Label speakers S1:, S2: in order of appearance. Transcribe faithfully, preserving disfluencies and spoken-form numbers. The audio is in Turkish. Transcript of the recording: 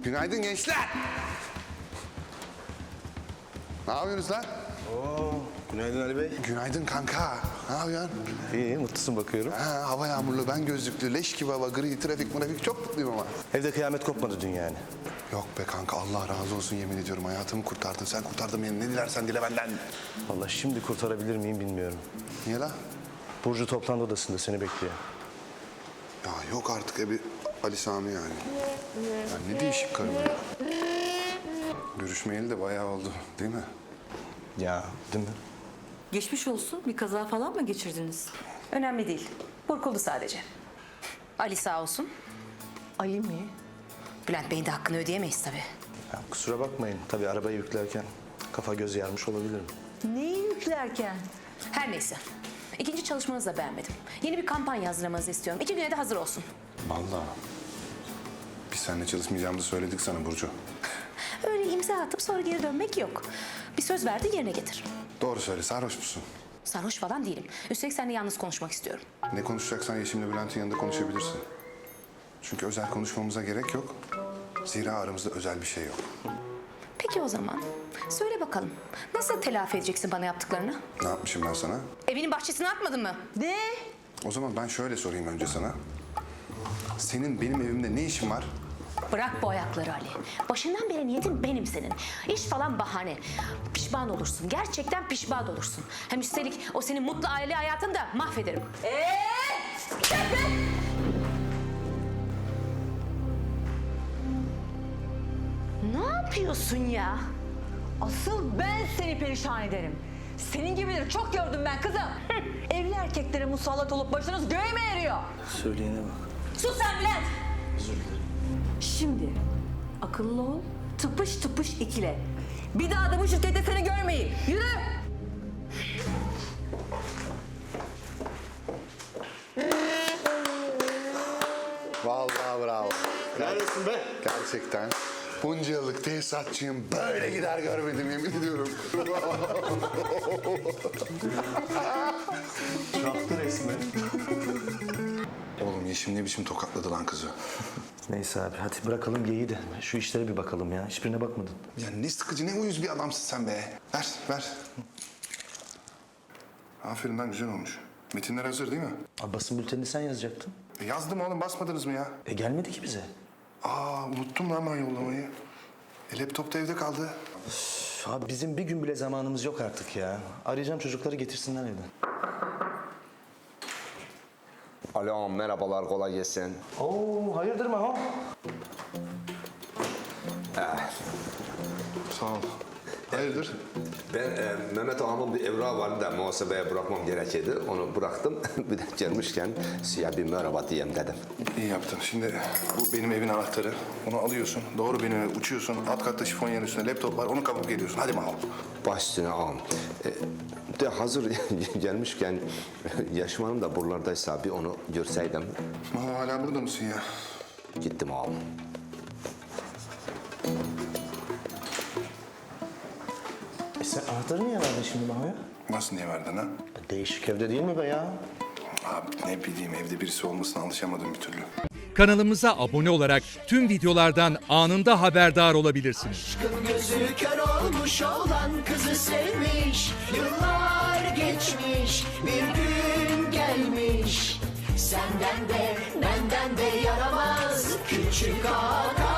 S1: Günaydın gençler. Ne yapıyorsunuz lan?
S2: Oo, günaydın Ali Bey.
S1: Günaydın kanka. Ne yapıyorsun?
S2: İyi, mutlusun bakıyorum.
S1: Ha, hava yağmurlu, ben gözlüklü, leş gibi hava, gri, trafik, trafik çok mutluyum ama.
S2: Evde kıyamet kopmadı dün yani.
S1: Yok be kanka, Allah razı olsun yemin ediyorum. Hayatımı kurtardın. Sen kurtardın beni. Ne dilersen dile benden.
S2: Vallahi şimdi kurtarabilir miyim bilmiyorum.
S1: Niye la?
S2: Burcu toplantı odasında seni bekliyor.
S1: Ya yok artık e bir Ali Sami yani. Ya ne değişik karım ya. Görüşmeyeli de bayağı oldu değil mi?
S2: Ya, değil mi?
S3: Geçmiş olsun. Bir kaza falan mı geçirdiniz?
S4: Önemli değil. Burkuldu sadece. Ali sağ olsun.
S3: Ali mi?
S4: Bülent Bey'in de hakkını ödeyemeyiz tabii.
S2: Ya, kusura bakmayın. Tabii arabayı yüklerken kafa göz yarmış olabilirim.
S3: Neyi yüklerken?
S4: Her neyse. İkinci çalışmanızı da beğenmedim. Yeni bir kampanya hazırlamanızı istiyorum. İki güne de hazır olsun.
S1: Vallahi. Biz seninle çalışmayacağımızı söyledik sana Burcu.
S4: Öyle imza atıp sonra geri dönmek yok. Bir söz verdi yerine getir.
S1: Doğru söyle, sarhoş musun?
S4: Sarhoş falan değilim. Üstelik seninle yalnız konuşmak istiyorum.
S1: Ne konuşacaksan Yeşim'le Bülent'in yanında konuşabilirsin. Çünkü özel konuşmamıza gerek yok. Zira aramızda özel bir şey yok.
S4: Peki o zaman. Söyle bakalım. Nasıl telafi edeceksin bana yaptıklarını?
S1: Ne yapmışım ben sana?
S4: Evinin bahçesine atmadın mı?
S3: Ne?
S1: O zaman ben şöyle sorayım önce sana. Senin benim evimde ne işin var?
S4: Bırak bu ayakları Ali. Başından beri niyetin benim senin. İş falan bahane. Pişman olursun. Gerçekten pişman olursun. Hem üstelik o senin mutlu aile hayatını da mahvederim.
S3: Ee?
S4: Ne yapıyorsun ya?
S3: Asıl ben seni perişan ederim. Senin gibileri çok gördüm ben kızım. Evli erkeklere musallat olup başınız göğe mi eriyor?
S2: Söyleyene bak.
S3: Sus sen Bülent.
S2: Özür dilerim.
S3: Şimdi akıllı ol, tıpış tıpış ikile. Bir daha da bu şirkette seni görmeyin. Yürü.
S1: Vallahi bravo.
S2: Neredesin be?
S1: Gerçekten. Bunca yıllık tesisatçıyım. Böyle gider görmedim yemin ediyorum.
S2: Çaktı resmen.
S1: Oğlum Yeşim ne biçim tokatladı lan kızı.
S2: Neyse abi hadi bırakalım geyiği de. Şu işlere bir bakalım ya. Hiçbirine bakmadın.
S1: Ya ne sıkıcı, ne uyuz bir adamsın sen be. Ver, ver. Aferin lan, güzel olmuş. Metinler hazır değil mi?
S2: Abi basın bültenini sen yazacaktın.
S1: E yazdım oğlum, basmadınız mı ya?
S2: E gelmedi ki bize.
S1: Aa, unuttum lan ben yollamayı. E, laptop da evde kaldı.
S2: Üf, abi bizim bir gün bile zamanımız yok artık ya. Arayacağım çocukları getirsinler evden.
S5: Alo, merhabalar, kolay gelsin.
S2: Oo hayırdır Maho?
S1: Sağ ol. Hayırdır?
S5: Ben e, Mehmet Ağam'ın bir evrağı vardı da muhasebeye bırakmam gerekirdi. Onu bıraktım. Bir de gelmişken size bir merhaba diyeyim dedim.
S1: İyi yaptın. Şimdi bu benim evin anahtarı. Onu alıyorsun. Doğru benim eve uçuyorsun. Alt katta şifonyerin üstünde laptop var. Onu kapıp geliyorsun. Hadi Mahmut.
S5: Baş üstüne ağam. E, de hazır gelmişken Yaşım Hanım da buralardaysa bir onu görseydim.
S1: Mahmut hala burada mısın ya?
S5: Gittim ağam.
S2: E sen anahtarı niye verdin şimdi Maho'ya?
S1: Nasıl niye verdin ha?
S2: Değişik evde değil mi be ya?
S1: Abi ne bileyim, evde birisi olmasına alışamadım bir türlü.
S6: Kanalımıza abone olarak tüm videolardan anında haberdar olabilirsiniz.
S7: Aşkın gözü kör olmuş olan kızı sevmiş. Yıllar geçmiş, bir gün gelmiş. Senden de benden de yaramaz küçük ağa.